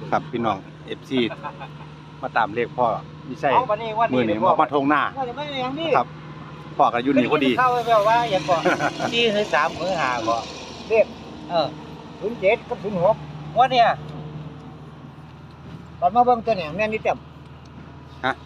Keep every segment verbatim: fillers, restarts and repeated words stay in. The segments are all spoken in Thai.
ครับพี่น้อง เอฟ ซี มาตามเลขพ่อไม่ใช่เอาวันนี้วันมือนี้นี่มามาทงหน้าว่าจะไม่อย่างนี้ครับพ่อกันอยู่นี่พอดีเข้าไปแบบว่าอย่างก่อนที่คือสามมือหาก่อนเรียกเออศูนย์เจ็ดกับศูนย์หกว่าเนี่ยตอนมาเบิ่งตัวเนี่ยแม่นนี่เต็มฮะ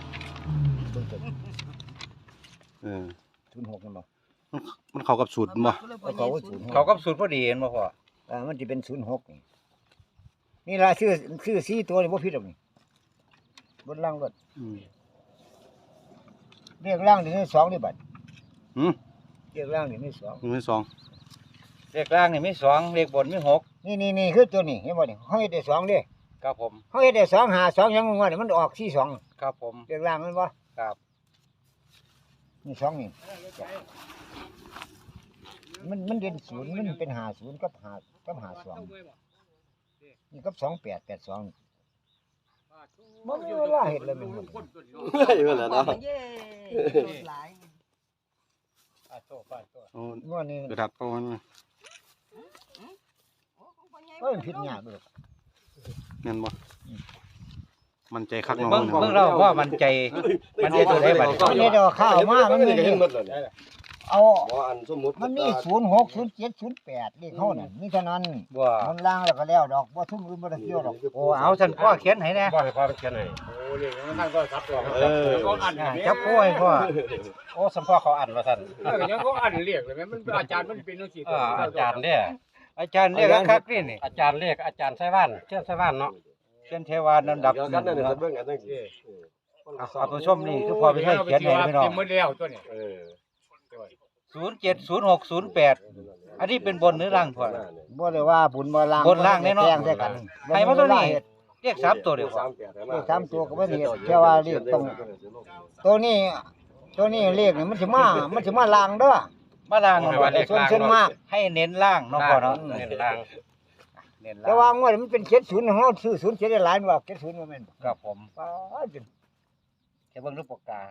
เออศูนย์หกนั่นบ่มันมันเข้ากับสูตรบ่เขาก็ศูนย์เขากับศูนย์พอดีเห็นบ่พ่ออ่ามันจะเป็นศูนย์หกนี่นี่ล่ะชื่อชื่อสี่ตัวนี่บ่ผิดหรอกนี่บนล่างรถอืมเรียกล่างนี่มีสองนี่บัดหืมเรียกล่างนี่มีสองมือที่สองเลขล่างนี่มีสองเลขบนมีหกนี่นี่นี่คือตัวนี้เห็นบ่นี่เฮาเฮ็ดได้สองเด้ครับผมเฮาเฮ็ดได้สองหาสองยังงวดนี่มันออกสี่สองครับผมเรียกล่างมันบ่ครับนี่สองนี่มันมันเด่นศูนย์มันเป็นหาศูนย์กับหากับหาสองนี่กับสองแปดแปดสองมันมีเวลาเห็ดเลยมันเฮ้ยมันแล้วเนาะโอ้งวดนี้กระดับเอามันมาก็เป็นผิดยากเลยแม่นบ่มันใจคักน้องเบิ่งเนี่ยเบิ่งเราว่ามันใจมันใจตัวได้บัดนี้อันนี้เดี๋ยวข้าวมามันมีเห็นหมดเลยเอาบ่อันสมมุติมันมีศูนย์หกศูนย์เจ็ดศูนย์แปดนี่เขาน่ะนี่เท่านั้นบ่มันล่างแล้วก็แล้วดอกว่าทุ่มอื่นบ่ได้เกี่ยวดอกโอ้เอาฉันพ่อเขียนให้แน่บ่ให้พาไปเขียนให้โอ้เรียกมันท่านก็ซับตัวเออก็อ่านอ่าเนี่ยจับป่วยพ่อโอ้สัมพ่อเขาอ่านว่าซั่นเออยังก็อ่านเรียกเลยแม่มันอาจารย์มันเป็นจังซี่อ่าอาจารย์เนี่ยอาจารย์เรียกคักๆนี่นี่อาจารย์เรียกอาจารย์ไส้บ้านเชื่อไส้บ้านเนาะเขียนเทวานำดับเดี๋ยวกันนั่นน่ะเบิ่งอันนั้นสิเอาเอาผู้ชมนี่คือพ่อไปให้เขียนให้พี่น้องเต็มหมดแล้วตัวนี้เออศูนย์เจ็ด ศูนย์หก ศูนย์แปดอันนี้เป็นบนหรือล่างพ่อบ่ได้ว่าบุญบ่ล่างบนล่างแน่เนาะแจ้งใส่กันให้มาตัวนี้เรียกสามตัวเดียวพ่อเลขสามตัวก็บ่ได้เฮ็ดแค่ว่าเลขต้องตัวนี้ตัวนี้เลขนี่มันสิมามันสิมาล่างเด้อมาล่างมันว่าแต่ส่วนส่วนมากให้เน้นล่างเนาะพ่อเนาะเน้นล่างเน้นแต่ล่างว่างวดมันเป็นเจ็ดศูนย์เฮาซื้อศูนย์เจ็ดได้หลายว่าเจ็ดศูนย์บ่แม่นครับผมป้าดจนแค่เบิ่งรูปปากกา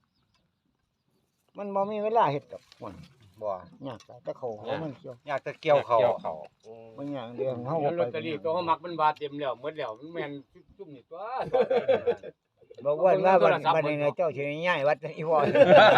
มันบ่มีเวลาเฮ็ดกับมันบ่ยากแต่เขาหัวมันเกี่ยวอยากจะเกี่ยวเขาเกี่ยวเขามันอย่างเดียวเฮาแล้วลบ่อตไปเตอรี่ตัวเขามักมันบาเต็มแล้วหมดแล้วมันแม่นจุ่มนี่ตัวบอกว่าว่าบัดบัดนี้นะเจ้าสิย้ายวัดอีพ่อ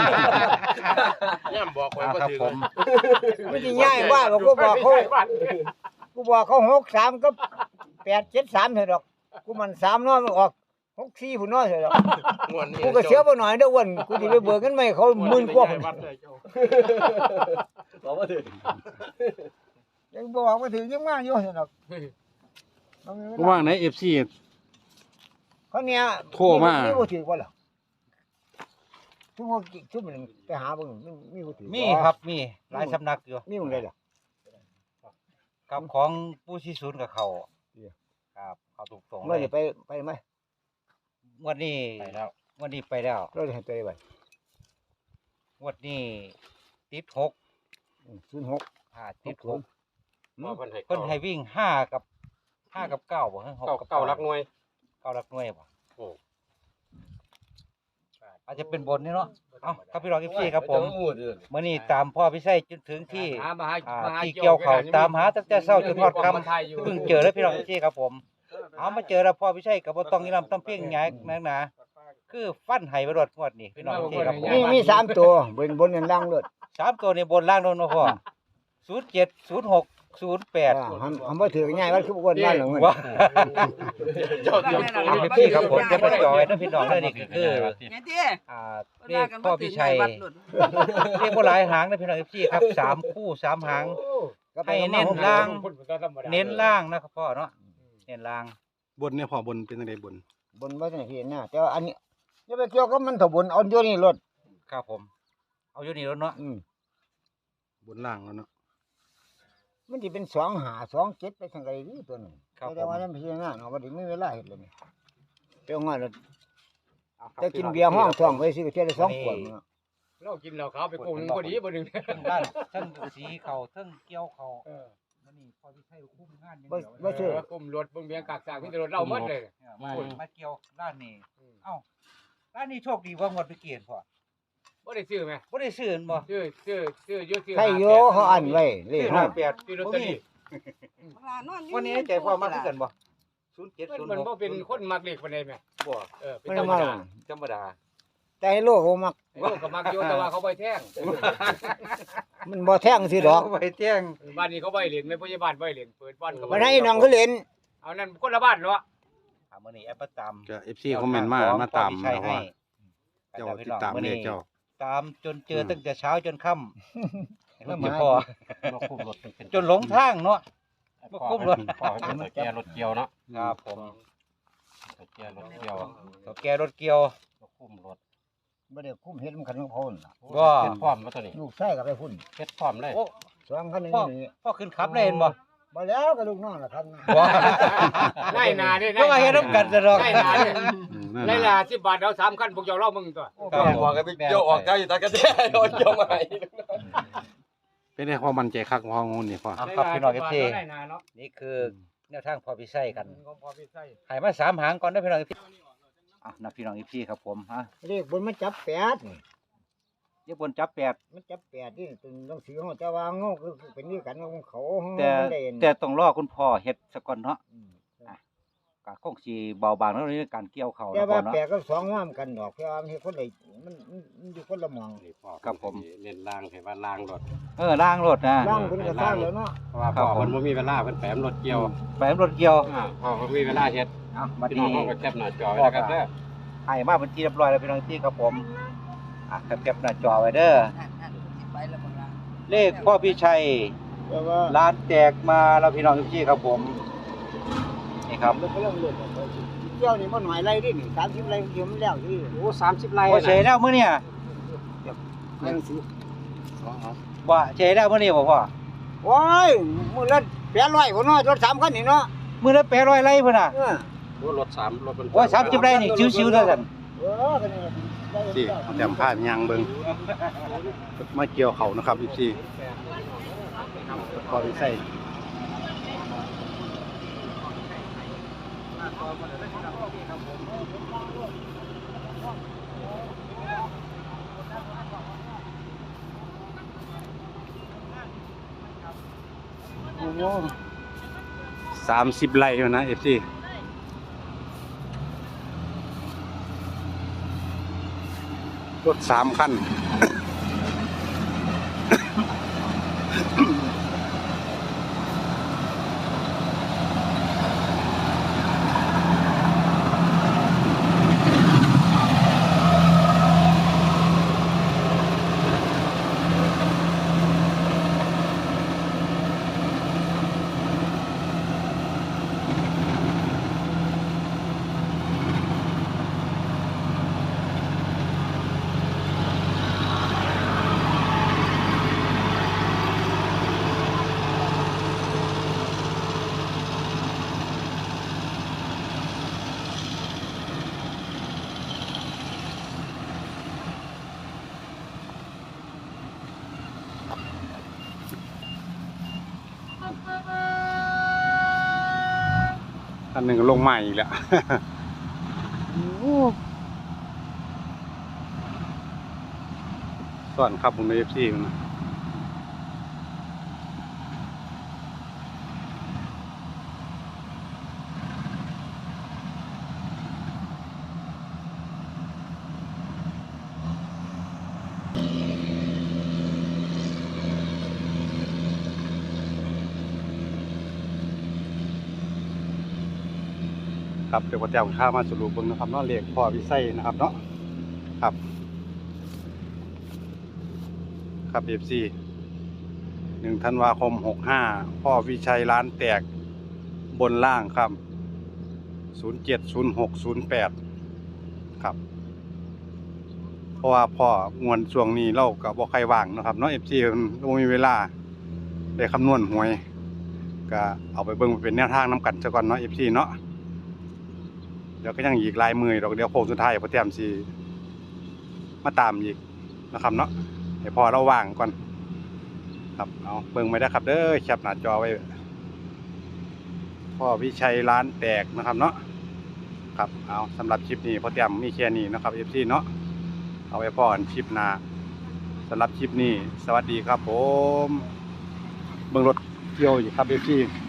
ย่ำบอกไว้อ่าบ่ครับถือผมมันสิย้ายว่าบอกกูบอกเขากูบอกเขาหกสามกับแปดเจ็ดสามเถอะดอกกูมันสามเนาะมันออกหกสี่พุ่นเนาะเถอะดอกม่วนนี่กูก็เสียบ่หน่อยเด้ออ้วนกูสิไปเบิกเงินใหม่เขาหมื่นกว่าพุ่นบอกว่าถือยังบอกว่าถึงยังมาอยู่เถอะดอกว่างไหน เอฟ ซีเขาเนี่ยโทรมามีบ่ถือบ่ล่ะทุกคนทุกมันไปหาเบิ่งมันมีบ่ถือมีครับมีหลายสำนักอยู่มีหม่องใดล่ะกับของผู้ชี้ศูนย์กับเขาเดี๋ยวครับเขาถูกส่งเมื่อจะไปไปไหมงวดนี้ไปแล้วงวดนี้ไปแล้วเราจะให้ไปไปงวดนี้ติดหกศูนย์หกอ่าติดหกบอกเพิ่นให้เพิ่นให้วิ่งห้ากับห้ากับเก้าบ่ฮะหกเก้ากับเก้าหลักหน่วยเก้าหลักหน่วยบ่โอ้อาจจะเป็นบนนี่เนาะเอ้าครับพี่รองอีพี่ครับผมหมู่เด้อมื้อนี้ตามพ่อพิชัยจนถึงที่หามาหาอ่ามาหาที่เกี่ยวเขาตามหาตั้งแต่เช้าจนฮอดค่ำไทยอยู่เพิ่งเจอแล้วพี่น้องพี่ครับผม เอามาเจอแล้วพ่อพี่ชัยกับบ่ต้องอีลำต้องเพียงหยังนักหนาคือฟันไห้บ่รอดงวดนี้พี่น้องพี่ครับผมมีมีสามตัวบนบนนั่นล่างรถสามตัวในบนล่างโน่นเนาะพ่อศูนย์เจ็ด ศูนย์หก ศูนย์แปดอ่าทำทำบ่ถือง่ายว่าคือบ่วนบ้านหรอกเงินว้าเจ้าเตรียมเอาพี่ครับผมจะมาจอยนะพี่น้องเด้อนี่คือไงเตี้ยอ่าเรียกพ่อพี่ชัยเรียกบ่หลายหางนะพี่น้องพี่ครับสามคู่สามหาง ให้เน้นล่าง เน้นล่างนะครับพ่อเนาะเน้นล่างบนเนี่ยพ่อบนเป็นจังไดบนบนบ่ทันเห็นนะแต่ว่าอันนี้อย่าไปเกี่ยวกับมันถบนเอาอยู่นี่รถครับผม เอาอยู่นี่แล้วเนาะอืมบนล่างแล้วเนาะมันสิเป็นสองหาสองเจ็ดไปทางใดนี่ตัวนึงครับผแต่มว่านั้นพิจารณาเนาะบ่ได้มีเวลาเฮ็ดเลยนี่เจ้าง่ายแล้วเอาครับจะกินเบียร์ห้องท้องไว้สิก็เที่ยวได้สองขวดเนาะเรากินเหล้าขาวไปโกงหนึงพอดีบ่หนึงทั้งด้านทั้งสีเขาทั้งเกี่ยวเขาเออวันนี้พ่อพี่ชัยคุ้มงานอย่างบ่เดียวบ่ซื้อกลุ่มรถเบิ่งเบียงกากสากมีแต่รถเราหมดเลยเนี่ยมามาเกี่ยวด้านนี้เอ้าด้านนี้โชคดีว่างวดไปเกียนพ่อบ่ได้ซื้อแม่บ่ได้ซื้อบ่ซื้อซื้อซื้ออยู่ซื้อใครโยเขาอันไว้เลซื้ขอห้าห้าแปดซื้อลอตเตอรี่วันนี้ใจพ่อมากขึ้นกันบ่ศูนย์เจ็ดศูนย์มันหกบ่เป็นคนมักเลขปานใดแม่บ่เออเป็นมันธรรมมาดาธรรมดาแต่ให้โลกเขามักไอ้ลูกก็มักอยู่แต่ว่าเขาบ่แท่งมันบ่แท่งสิดอกไปเที่ยงบ้านนี้เขาบ่ให้เล่นแม่พยาบาลบ่ให้เล่นเปิดบ้านเขาบ่มันให้น้องเขาเล่นเอานั่นคนละบ้านเนาะอ่ามื้อนี้แอปเปิลตามก็ เอฟ ซี คอมเมนต์มามาตามใช่นะให้ว่าเจ้าติดตามเลขเจ้าตามจนเจอตั้งแต่เช้าจนค่ำแล้วเจ้ามาพ่อมาคุมรถเป็นจนหลงทางเนาะ บ่คุมรถพ่อเป็นตะแกรถเกี่ยวเนาะครับผมตะแกรถเกี่ยวเขาแกรถเกี่ยวมาคุมรถบ่ได้คุ้มเฮ็ดมันคันของเขาน่ะบ่เฮ็ดพร้อมมาตัวนี้ลูกชายก็ไปพุ่นเฮ็ดพร้อมเลยโอ้สองคันนึงพ่อนี่พ่อขึ้นขับได้เห็นบ่บ่แล้วก็ลูกน้องล่ะครับบ่ได้นาเด้ก็มาเฮ็ดนำกันซะดอกได้นาเด้อืมนั่นได้น่ะละสิบบาทเอาสามคันพวกเจ้าเล่ามึงตัวครับผมบอกกันไปเกี่ยวออกได้อยู่ตะกะแตโดนเกี่ยวมาให้เป็นได้ความมั่นใจคักของงูนี่พ่อเอาครับพี่น้อง เอฟ ซีได้นาเนาะนี่คือแนวทางพอพิไส้กันของพอพี่ใส่ให้มาสามหางก่อนเด้อพี่น้อง เอฟ ซี อ่ะนับพี่น้อง เอฟ ซี ครับผมฮะเลขบนมันจับแปดนี่เดี๋ยวบนจับแปดมันจับแปดนี่ตัวหนังสือเฮาแต่ว่าเงาคือเป็นนี่กันของเขาแต่มันได้เห็นแต่ต้องรอคุณพ่อเฮ็ดซะก่อนเนาะอืมก็คงสิเบาบางแล้วในการเกี่ยวเขาแต่เนาะพ่ว่าอเนาะแปดกับสองงามกันดอกแต่ว่ามันเฮ็ดคนละมันมันมันอยู่คนละหมองนี่พ่อครับผมเน้นล่างให้ว่าล่างรถเออล้างรถนะล่างเพิ่นก็สร้างแล้วเนาะเพราะว่าพ่อเพิ่นบ่มีเวลาเพิ่นแปมรถเกี่ยวแปมรถเกี่ยวอ่าพ่อเพิ่นมีเวลาเฮ็ดอ่ะมาพี่ดีน้องเฮาก็แคปหน้าจอไว้นะครับเด้อให้มาเป็นที่เรียบร้อยแล้วพี่น้อง เอฟ ซี ครับผมอ่ะแคปๆหน้าจอไว้เด้อเลขพ่อพี่ชัยแต่ว่าร้านแตกมาแล้วพี่น้อง เอฟ ซี ครับผมนี่ครับมันก็เริ่มเลือดออกไปเที่ยวนี่มันหน่อยไรดินี่สามสิบไรเดียวมันแล้วที่โอ้สามสิบไร่บ่เฉยแล้วมื้อเนี่ยหนังสือบ่เฉยแล้วมื้อนี้บ่พ่อโอ้ยมื้อละแปดร้อยพุ่นเนาะรถสามคันนี่เนาะมื้อละแปดร้อยไร่พุ่นน่ะเออโอ้รถสามรถมันโอ้ยสามสิบไร่นี่ชิวๆเด้อซั่นเออก็นี่ได้ที่แต้มผ้ายังเบิ่งมาเกี่ยวเขานะครับ เอฟ ซี พอพิไส้โอ้โหสามสิบไร่อยู่นะ เอฟ ซี รถสามคัน อันหนึ่งก็ลงใหม่อีกแล้ว ส่วนครับผมใน เอฟ ซี มันนะครับเดี๋ยวผมจะเอาข้ามาสรุปเบิ่งนะครับเนาะเลขพ่อวิไสนะครับเนาะครับ ครับ เอฟ ซี หนึ่งธันวาคมหกห้าพ่อวิชัยร้านแตกบนล่างครับศูนย์เจ็ดศูนย์หกศูนย์แปดครับ เพราะว่าพ่องวนช่วงนี้เราก็บ่ใครว่างเนาะครับเนาะ เอฟ ซี มันบ่มีเวลาได้คำนวณหวยก็เอาไปเบิ่งเป็นแนวทางนํกันซะก่อนเนาะ เอฟ ซี เนาะเดี๋ยวก็ยังอีกหลายมื้อดอกเดี๋ยวโค้งสุดท้ายพ่อแต้มสิมาตามอีกนะครับเนาะให้พอเราว่างก่อนครับเอาเบิ่งไว้ได้ครับเด้อแคปหน้าจอไว้พ่อวิชัยร้านแตกนะครับเนาะครับเอาสำหรับคลิปนี้พ่อแต้มมีแค่นี้นะครับ เอฟ ซี เนาะเอาไว้พอกันคลิปหน้าสำหรับคลิปนี้สวัสดีครับผมเบิ่งรถเกี่ยวอยู่ครับ เอฟ ซี